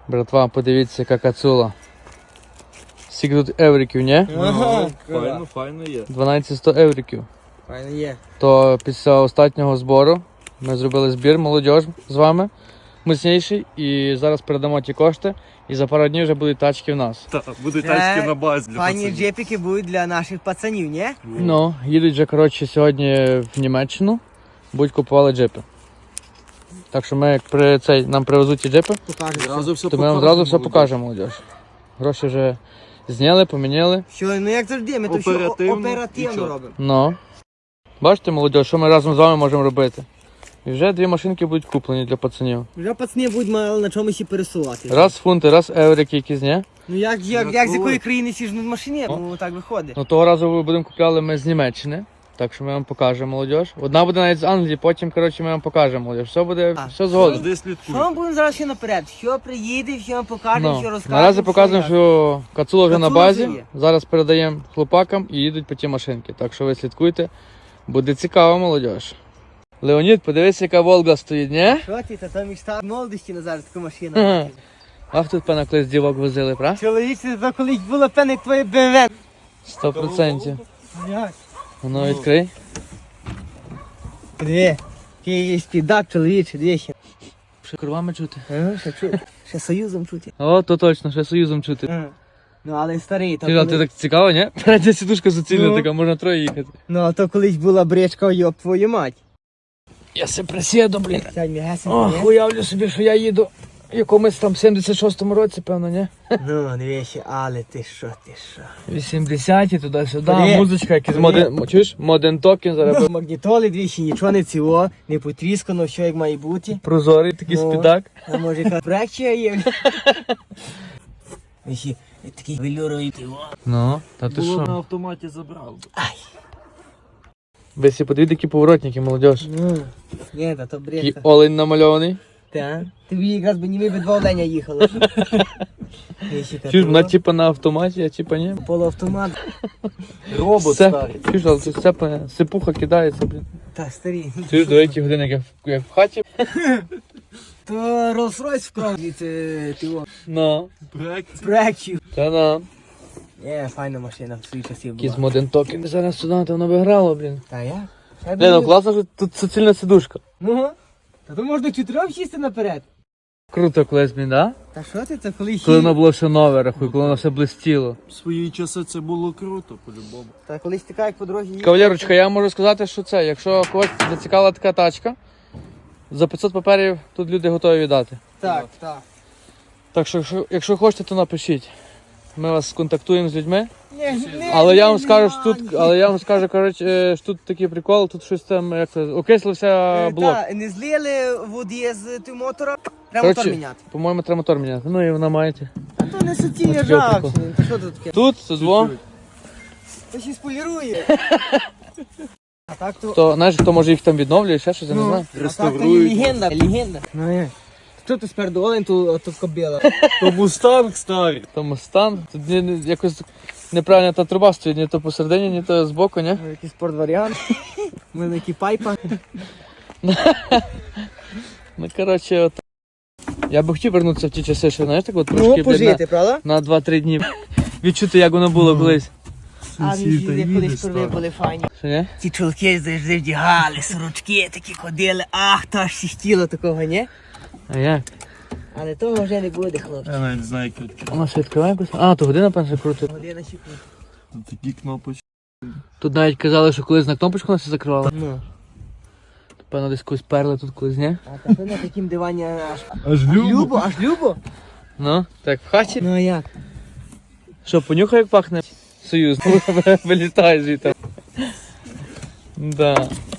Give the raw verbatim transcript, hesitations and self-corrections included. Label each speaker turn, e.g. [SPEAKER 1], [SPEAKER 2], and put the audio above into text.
[SPEAKER 1] Братва, подивіться, яка кацула. Скільки тут евриків, ні?
[SPEAKER 2] Ага,
[SPEAKER 3] Файно, файно є.
[SPEAKER 1] дванадцять сто евриків.
[SPEAKER 2] файно є.
[SPEAKER 1] То після останнього збору ми зробили збір, молодіж з вами, міцніший. І зараз передамо ті кошти. І за пару днів вже будуть тачки в нас.
[SPEAKER 3] Так, будуть
[SPEAKER 2] Це
[SPEAKER 3] тачки на базі для
[SPEAKER 2] Файні
[SPEAKER 3] пацанів.
[SPEAKER 2] джепіки будуть для наших пацанів, ні?
[SPEAKER 1] Ну, їдуть вже, коротше, сьогодні в Німеччину. Будуть купували джипи. Так що ми, як при цей, нам привезуть ті джипи,
[SPEAKER 2] Покажемо.
[SPEAKER 3] Зразу все
[SPEAKER 1] то ми вам зразу все покажемо, молодіж. Гроші вже зняли, поміняли.
[SPEAKER 2] Що, ну як завжди, ми то все
[SPEAKER 3] Оперативно.
[SPEAKER 2] о- оперативно
[SPEAKER 3] Нічого.
[SPEAKER 2] робимо.
[SPEAKER 1] Ну. Бачите, молодіж, що ми разом з вами можемо робити. І вже дві машинки будуть куплені для пацанів.
[SPEAKER 2] Вже пацани будуть мали на чомусь і пересувати.
[SPEAKER 1] Раз фунти, раз еврики якісь, ні?
[SPEAKER 2] Ну як, як, як з якої країни сіжнуть машині? Ну так виходить.
[SPEAKER 1] Ну того разу ми будемо купляли ми з Німеччини. Так що ми вам покажемо, молодіж. Одна буде навіть з Англії, потім, коротше, ми вам покажемо, молодіж. Все буде,
[SPEAKER 2] А.
[SPEAKER 1] все згодом.
[SPEAKER 3] Завжди
[SPEAKER 2] Що
[SPEAKER 3] слідкуй.
[SPEAKER 2] ми будемо зараз ще наперед? Що приїде, що вам покажемо,
[SPEAKER 1] Ну.
[SPEAKER 2] що розкажемо.
[SPEAKER 1] Наразі показуємо, що кацула вже на
[SPEAKER 2] Кацула
[SPEAKER 1] базі.
[SPEAKER 2] вже є.
[SPEAKER 1] Зараз передаємо хлопакам і їдуть по ті машинки. Так що ви слідкуйте. Буде цікаво, молодіж. Леонід, подивися, яка Волга стоїть, ні?
[SPEAKER 2] Що ти, та там мечта молодості на зараз така машина.
[SPEAKER 1] Ага. Ах, тут певно колись дівок возили, правда?
[SPEAKER 2] Чоловік, це то колись було певне як твоє бе ем ве.
[SPEAKER 1] Сто процентів.
[SPEAKER 2] Як?
[SPEAKER 1] Воно відкрий.
[SPEAKER 2] Диви, який є спідак, чоловіче, дивіться.
[SPEAKER 1] Ще кровами чути.
[SPEAKER 2] Ага, ще чути. Ще союзом чути.
[SPEAKER 1] О, то точно, ще союзом чути.
[SPEAKER 2] Ага. Ну але старий, то
[SPEAKER 1] Ти, а ти
[SPEAKER 2] коли...
[SPEAKER 1] так цікаво, ні? Передня сідушка суцільна
[SPEAKER 2] Ну.
[SPEAKER 1] така, можна троє їхати.
[SPEAKER 2] Ну а то колись була бричка, йоп твою мать.
[SPEAKER 1] Я се присіду, блін.
[SPEAKER 2] Сядь м'ягесенько,
[SPEAKER 1] Ох,
[SPEAKER 2] ні?
[SPEAKER 1] уявлю собі, що я їду в якомусь там сімдесят шостому році, певно, ні?
[SPEAKER 2] Ну, дивіться, але ти що, ти що.
[SPEAKER 1] вісімдесяті, туди-сюди,
[SPEAKER 2] Привіт.
[SPEAKER 1] музичка, якийсь
[SPEAKER 2] Привіт.
[SPEAKER 1] моден... Чуєш? Моден токен зараз.
[SPEAKER 2] Ну, магнітоли двічі, нічого не ціло, не потріскано, все як має бути.
[SPEAKER 1] Прозорий такий
[SPEAKER 2] Ну.
[SPEAKER 1] спідак.
[SPEAKER 2] А може яка брекчія є? Вісі, такий велюровий пиво.
[SPEAKER 1] Ну, та ти
[SPEAKER 3] Було на
[SPEAKER 1] що?
[SPEAKER 3] автоматі забрав.
[SPEAKER 1] Ви всі подивіться, які поворотники, молодіж.
[SPEAKER 2] Ну, ні, та то
[SPEAKER 1] Такий
[SPEAKER 2] брека.
[SPEAKER 1] олень намальований.
[SPEAKER 2] Та, тобі якраз би ніби два оленя їхало. Вісі, та
[SPEAKER 1] Чуєш,
[SPEAKER 2] то
[SPEAKER 1] вона типа на автоматі, а типа ні.
[SPEAKER 2] полуавтомат.
[SPEAKER 3] Робот
[SPEAKER 1] Все.
[SPEAKER 3] старий.
[SPEAKER 1] Чуєш, але тут сцепа, сипуха кидається, блін.
[SPEAKER 2] Та, старі.
[SPEAKER 1] Чуєш, до яких годин, як в, як в хаті.
[SPEAKER 2] То Rolls-Royce вкрав від е, тиво.
[SPEAKER 1] Ну.
[SPEAKER 3] Проекція.
[SPEAKER 2] Брекчів.
[SPEAKER 1] Та на.
[SPEAKER 2] Є, файна машина в свої часів
[SPEAKER 1] Якийсь
[SPEAKER 2] була.
[SPEAKER 1] моден токен. Зараз сюди, то воно би грало, блін.
[SPEAKER 2] Та я? Я
[SPEAKER 1] Блін, ну
[SPEAKER 2] думаю-
[SPEAKER 1] класно, що тут суцільна сидушка.
[SPEAKER 2] Ну, та то можна чотирьох сісти наперед.
[SPEAKER 1] Круто колись, блін, да?
[SPEAKER 2] Та що ти, це коли
[SPEAKER 1] Коли воно
[SPEAKER 2] хі...
[SPEAKER 1] було все нове, рахуй, коли воно все блистіло.
[SPEAKER 3] В свої часи це було круто, по-любому.
[SPEAKER 2] Та колись така, як по дорозі їхав.
[SPEAKER 1] Кавалерочка, я можу сказати, що це, якщо когось зацікавила така тачка, за п'ятсот паперів тут люди готові віддати.
[SPEAKER 2] Так, так.
[SPEAKER 1] Так що, якщо, якщо хочете, то напишіть. Ми вас сконтактуємо з людьми.
[SPEAKER 2] Ні, ні,
[SPEAKER 1] Але я вам
[SPEAKER 2] ні,
[SPEAKER 1] скажу, що
[SPEAKER 2] ні,
[SPEAKER 1] тут,
[SPEAKER 2] ні.
[SPEAKER 1] але я вам скажу, коротше, е, що тут такий прикол, тут щось там, як це, окислився
[SPEAKER 2] Е,
[SPEAKER 1] блок.
[SPEAKER 2] Та, не злили воді з тим мотора, треба мотор
[SPEAKER 1] Коротше,
[SPEAKER 2] міняти.
[SPEAKER 1] по-моєму, треба мотор міняти. Ну і вона маєте.
[SPEAKER 2] А то не суті,
[SPEAKER 1] От
[SPEAKER 2] жах.
[SPEAKER 1] прикол.
[SPEAKER 2] Та що тут таке?
[SPEAKER 1] Тут, тут дво.
[SPEAKER 2] То ще сполірує. А так то...
[SPEAKER 1] То, знаєш, хто може їх там відновлює, ще щось, я не
[SPEAKER 2] Ну,
[SPEAKER 1] знаю.
[SPEAKER 2] а так то
[SPEAKER 3] реставрують.
[SPEAKER 2] є легенда, легенда. Ну, як? Що ти спереду олень, то, то кобила.
[SPEAKER 3] То мустанг старий.
[SPEAKER 1] Тому стан. Тут ні- ні- якось неправильно та труба стоїть, ні то посередині, ні то збоку, ні?
[SPEAKER 2] Ну, якийсь спортваріант. У мене які пайпа.
[SPEAKER 1] Ну, коротше, от. Я би хотів вернутися в ті часи, що, знаєш, так от трошки,
[SPEAKER 2] Ну,
[SPEAKER 1] блін,
[SPEAKER 2] пожити, правда?
[SPEAKER 1] на, на два-три дні. Відчути, як воно було колись.
[SPEAKER 2] А
[SPEAKER 3] Сусід, та
[SPEAKER 2] він
[SPEAKER 3] їде
[SPEAKER 2] колись
[SPEAKER 3] старий.
[SPEAKER 2] були файні.
[SPEAKER 1] Що, ні?
[SPEAKER 2] Ці чолки завжди вдягали, сорочки такі ходили, ах, то аж сістіло такого, ні?
[SPEAKER 1] А як?
[SPEAKER 2] Але того вже не буде, хлопці.
[SPEAKER 3] Я навіть знаю, як відкрити.
[SPEAKER 1] Воно ще відкриває якось? А, то година, певно, крутить.
[SPEAKER 2] Година секунд.
[SPEAKER 3] Такі кнопочки.
[SPEAKER 1] Тут навіть казали, що колись на кнопочку нас закривали.
[SPEAKER 2] Ну,
[SPEAKER 1] Певно, десь колись перли тут колись, ні?
[SPEAKER 2] а та на таким дивані аж
[SPEAKER 3] Аж
[SPEAKER 2] аж любо, аж любо.
[SPEAKER 1] Ну, так в хаті.
[SPEAKER 2] Ну а як?
[SPEAKER 1] Що, понюхай, як пахне? Союз. Вилітає звідти. Да.